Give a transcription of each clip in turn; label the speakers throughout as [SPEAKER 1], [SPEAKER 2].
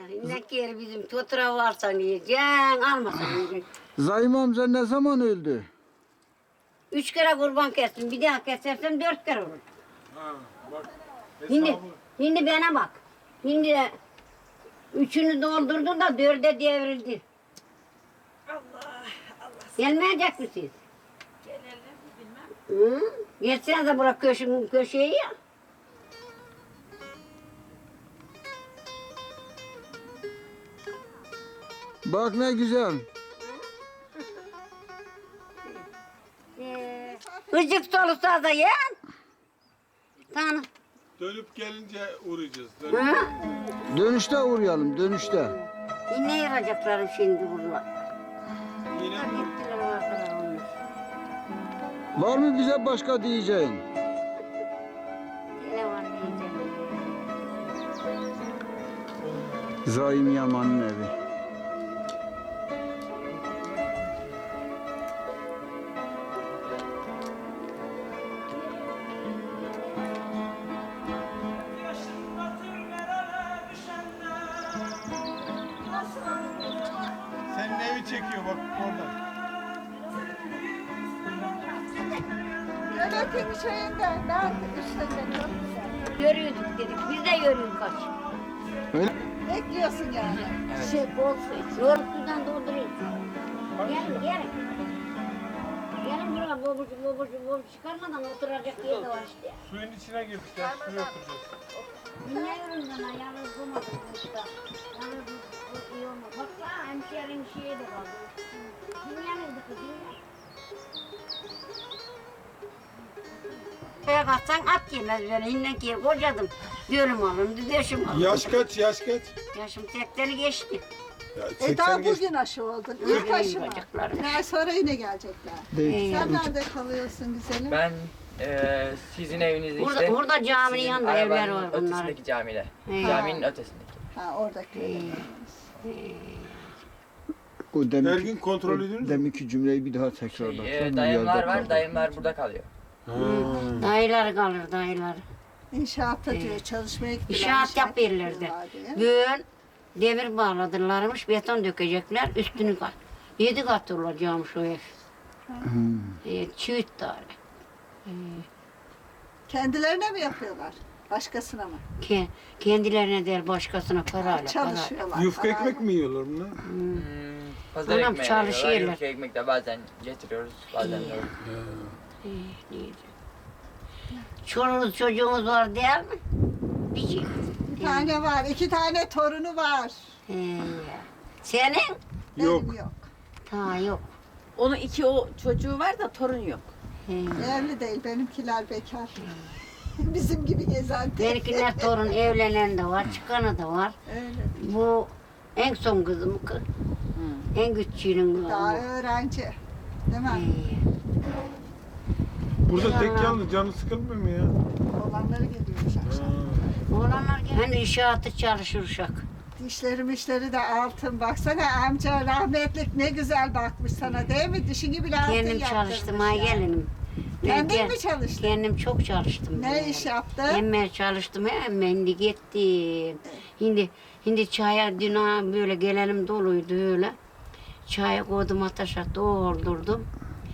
[SPEAKER 1] Ne kere bizim totura varsan yiyeceksin, almasan yiyeceksin.
[SPEAKER 2] Zahim amca ne zaman öldü?
[SPEAKER 1] 3 kere kurban kestim, bir daha kesersem 4 kere olur.
[SPEAKER 3] Ha, bak.
[SPEAKER 1] Şimdi bana bak. Şimdi 3'ünü doldurdu da 4'e devrildi.
[SPEAKER 4] Allah.
[SPEAKER 1] Gelmeyecek misiniz?
[SPEAKER 4] Gelelim bilmem.
[SPEAKER 1] Hı? Geçsenize bırak köşeyi ya.
[SPEAKER 2] Bak ne güzel.
[SPEAKER 1] Icık solusa da ye. Tamam.
[SPEAKER 3] Dönüp gelince uğrayacağız.
[SPEAKER 1] Hı?
[SPEAKER 2] Dönüşte uğrayalım, dönüşte.
[SPEAKER 1] Ne yarayacaklarım şimdi bunlar?
[SPEAKER 3] Yine
[SPEAKER 1] Gittiler ortalar olmuş.
[SPEAKER 2] Var mı bize başka diyeceğin?
[SPEAKER 1] Yine var diyeceğim.
[SPEAKER 2] Zahim Yaman'ın evi.
[SPEAKER 3] senin evi çekiyor bak oradan.
[SPEAKER 4] Yönetim şeyinden ben üstünden çok güzel.
[SPEAKER 1] Yürüyorduk dedik. Biz de yürüyorduk kaç.
[SPEAKER 2] Öyle.
[SPEAKER 4] Bekliyorsun yani.
[SPEAKER 1] Şey bol su iç. Yoğurt sudan dolduruyoruz. Gelin. Gelin buraya bobucu çıkarmadan oturacak yer de var işte.
[SPEAKER 3] Suyun içine girdik ya. Suya oturacağız.
[SPEAKER 1] Niye yürüdün lan? Yalnız bulmadık usta. Yalnız bu iyi olmaz. Baksana hemşehrin şeye de kaldı. Kim yanıldı kızım ya? Şeye kalksan at yemez beni. Hinden ki kocadım. Gölüm alındı, döşüm alındı.
[SPEAKER 3] Yaş kaç? Yaş kaç?
[SPEAKER 1] Yaşım 80'i geçti.
[SPEAKER 3] Ya
[SPEAKER 4] Daha
[SPEAKER 3] 80 geç.
[SPEAKER 4] bugün aşı oldun. İlk aşı var.
[SPEAKER 1] Bacaklarım.
[SPEAKER 4] Bir ay sonra yine gelecekler.
[SPEAKER 2] Değil.
[SPEAKER 4] Sen nerede kalıyorsun güzelim?
[SPEAKER 5] Ben sizin evinizde
[SPEAKER 1] Burada,
[SPEAKER 5] işte.
[SPEAKER 1] burada caminin
[SPEAKER 5] sizin
[SPEAKER 1] yanında evler
[SPEAKER 5] arabanın
[SPEAKER 1] var bunların.
[SPEAKER 5] ötesindeki camide.
[SPEAKER 1] He.
[SPEAKER 5] Caminin ötesindeki.
[SPEAKER 4] Ha oradaki.
[SPEAKER 2] O
[SPEAKER 3] Her gün kontrol ediyoruz mu?
[SPEAKER 2] Deminki cümleyi bir daha tekrarla.
[SPEAKER 5] Dayımlar var, dayımlar burada kalıyor.
[SPEAKER 1] Dayılar kalır dayılar.
[SPEAKER 4] İnşaatta diyor çalışmaya gittiler.
[SPEAKER 1] İnşaat yapıyorlardı.
[SPEAKER 4] yapıyorlar diye.
[SPEAKER 1] Bugün demir bağladılarmış, beton dökecekler, üstünü kat. 7 kat olacakmış o ev. Çiğit tane.
[SPEAKER 4] Kendilerine mi yapıyorlar? Başkasına mı?
[SPEAKER 1] Kendilerine değil başkasına parayla.
[SPEAKER 4] Çalışıyorlar.
[SPEAKER 3] Yufka
[SPEAKER 4] parayla.
[SPEAKER 3] ekmek mi yiyorlar bunlar?
[SPEAKER 5] Pazar
[SPEAKER 1] Anam
[SPEAKER 5] ekmeği
[SPEAKER 1] çalışıyorlar.
[SPEAKER 5] veriyorlar. Yufka ekmek de bazen getiriyoruz, bazen de yok.
[SPEAKER 1] Çoluğunuz çocuğunuz var değil mi? Bir şey.
[SPEAKER 4] Bir tane var. 2 tane torunu var.
[SPEAKER 1] Senin?
[SPEAKER 3] Yok.
[SPEAKER 4] Benim yok.
[SPEAKER 1] Ta yok.
[SPEAKER 6] Onun 2 o çocuğu var da torun yok.
[SPEAKER 4] Evli değil. Benimkiler bekar. Bizim gibi gezen tek.
[SPEAKER 1] Benimkiler torun evlenen de var, çıkanı da var.
[SPEAKER 4] Öyle.
[SPEAKER 1] Bu en son kızım kız. En küçüğünün
[SPEAKER 4] Daha
[SPEAKER 1] bu.
[SPEAKER 4] öğrenci. Değil mi?
[SPEAKER 3] Burada tek yalnız canı sıkılmıyor mu ya?
[SPEAKER 4] Olanları geliyormuş akşam.
[SPEAKER 1] Oğlanlar hani inşaatı çalışır uşak.
[SPEAKER 4] Dişleri de altın. Baksana amca rahmetlik ne güzel bakmış sana değil mi? Dişini bile altın
[SPEAKER 1] Kendim
[SPEAKER 4] yaptırmış
[SPEAKER 1] çalıştım
[SPEAKER 4] ya.
[SPEAKER 1] ha gelinim.
[SPEAKER 4] Kendin
[SPEAKER 1] Ben
[SPEAKER 4] mi çalıştın?
[SPEAKER 1] Kendim çok çalıştım.
[SPEAKER 4] Ne
[SPEAKER 1] ben.
[SPEAKER 4] iş yaptın?
[SPEAKER 1] Hemen çalıştım hemen de gittim. Şimdi çaya dün böyle gelelim doluydu öyle. Çaya koydum ateşe doldurdum.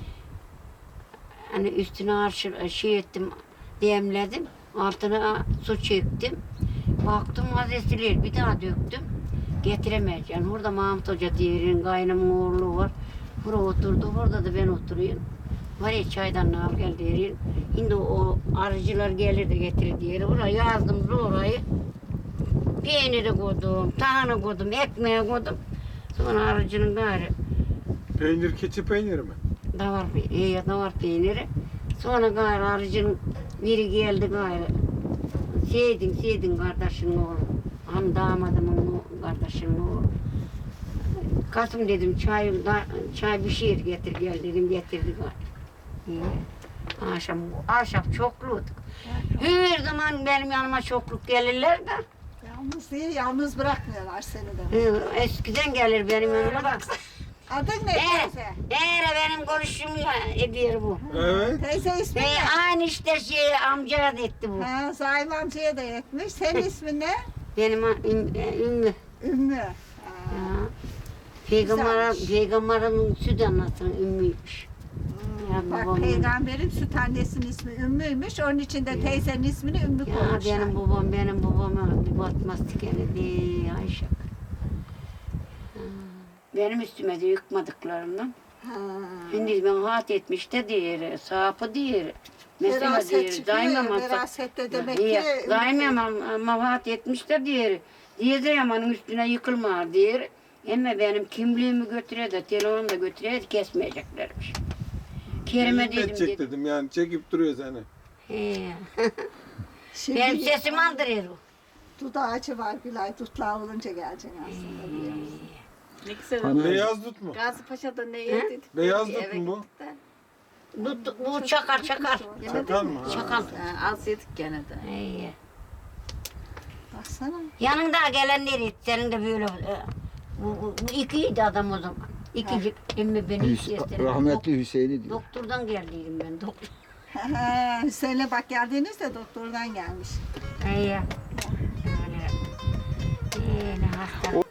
[SPEAKER 1] Hani üstüne şey ettim, demledim. Altına su çektim. Baktım vazesilir, bir daha döktüm. Getiremeyeceğim. Burada Mahmut Hoca diyenin kaynımın oğlu var. Buraya oturdu, burada da ben oturuyorum. Var ya çaydan al gel derin. Şimdi o arıcılar gelir de getirir diye. Buraya yazdım orayı. Peyniri koydum, tahını koydum, ekmeği koydum. Sonra arıcının gayrı
[SPEAKER 3] Peynir, keçi peyniri mi?
[SPEAKER 1] davar peyniri. Sonra gayrı arıcının biri geldi gayrı. Seydin kardeşinin oğlu. Hani damadımın kardeşinin oğlu. Kasım dedim çay bir şey getir gel dedim getirdi gayrı. Akşam çokluyduk. Her zaman benim yanıma çokluk gelirler de.
[SPEAKER 4] Yalnız değil, yalnız bırakmıyorlar seni de.
[SPEAKER 1] Eskiden gelir benim yanıma da.
[SPEAKER 4] Adın ne teyze?
[SPEAKER 1] Benim konuşum ediyor bu.
[SPEAKER 3] Evet.
[SPEAKER 4] Teyze ismi ne?
[SPEAKER 1] Aynı işte amcaya da etti bu.
[SPEAKER 4] Ha, Zaim amcaya da yetmiş. Senin ismin ne?
[SPEAKER 1] Benim Ümmü.
[SPEAKER 4] Ümmü.
[SPEAKER 1] Ya.
[SPEAKER 4] Güzelmiş.
[SPEAKER 1] Peygamberin süt anasının Ümmüymüş. Ya
[SPEAKER 4] Bak
[SPEAKER 1] babamın-
[SPEAKER 4] peygamberin süt annesinin ismi Ümmü'ymüş. Onun için de teyzenin ismini Ümmü
[SPEAKER 1] Ya
[SPEAKER 4] koymuşlar.
[SPEAKER 1] benim babama bir batmaz tikeni değil Ayşe. Benim üstüme de yıkmadıklarından.
[SPEAKER 4] Ha.
[SPEAKER 1] Şimdi ben hat etmiş de diğeri, sapı diğeri. Mesela
[SPEAKER 4] Veraset
[SPEAKER 1] diğeri,
[SPEAKER 4] çıkıyor ya,
[SPEAKER 1] daimem
[SPEAKER 4] verasette demek ki
[SPEAKER 1] daimem ama hat etmiş de diğeri. Diye de yamanın üstüne yıkılma diğeri. Ama benim kimliğimi götüre de, telefonumu da götüre de kesmeyeceklermiş. Kerime
[SPEAKER 3] Elini
[SPEAKER 1] dedim.
[SPEAKER 3] çek dedim yani çekip duruyor seni.
[SPEAKER 1] He.
[SPEAKER 4] Şimdi
[SPEAKER 1] Benim sesimi andırıyor o.
[SPEAKER 4] dut ağacı var Gülay. Dutlar olunca geleceksin aslında biliyor musun?
[SPEAKER 6] Ne güzel
[SPEAKER 2] Hani-
[SPEAKER 6] oldu.
[SPEAKER 3] Beyaz dut mu?
[SPEAKER 6] Gazi Paşa'da ne yedik?
[SPEAKER 3] Beyaz
[SPEAKER 6] Dedi,
[SPEAKER 3] dut
[SPEAKER 6] eve
[SPEAKER 3] mu bu?
[SPEAKER 6] gittik de.
[SPEAKER 1] Bu çakar.
[SPEAKER 3] Çakal mı? Ha.
[SPEAKER 1] Çakal.
[SPEAKER 6] Ha, az yedik gene de.
[SPEAKER 1] İyi.
[SPEAKER 4] Baksana.
[SPEAKER 1] Yanında gelenleri senin de böyle bu ikiydi adam o zaman. İkicik emmi beni istedim.
[SPEAKER 2] Rahmetli Hüseyin'i diyor.
[SPEAKER 1] Doktordan geldiydim ben doktor.
[SPEAKER 4] Hüseyin'le bak geldiğinizde doktordan gelmiş.
[SPEAKER 1] İyi. Öyle hasta.